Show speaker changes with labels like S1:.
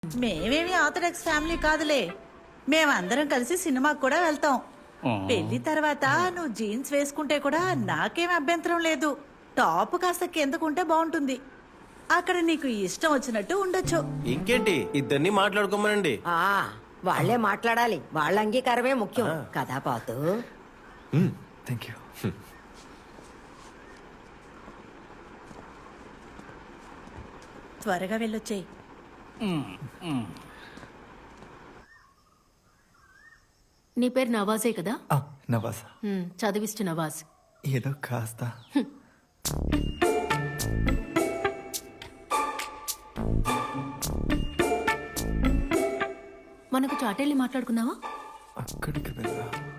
S1: మేమేమి orthodox family కాదులే. మేమందరం కలిసి సినిమాకి కూడా వెళ్తాం. పెళ్లి తర్వాత నువ్వు జీన్స్ వేసుకుంటే కూడా నాకేం అభ్యంతరం లేదు. టాప్ కాస్త కిందకుంటే బాగుంటుంది. అక్కడ నీకు ఇష్టం వచ్చినట్టు ఉండొచ్చు.
S2: ఇంకేంటి, ఇద్దరిని మాట్లాడుకోమనండి.
S3: వాళ్లే మాట్లాడాలి. వాళ్ళ అంగీకారమే ముఖ్యం కదా పాతు.
S4: Thank you.
S1: త్వరగా వెళ్ళొచ్చేయి.
S5: నీ పేరు నవాజే కదా?
S4: నవాజ్.
S5: చదివిస్తు నవాజ్.
S4: ఏదో కాస్త.
S5: మనకు చాటెళ్ళి మాట్లాడుకుందావా?
S4: అక్కడికి వెళ్ళా.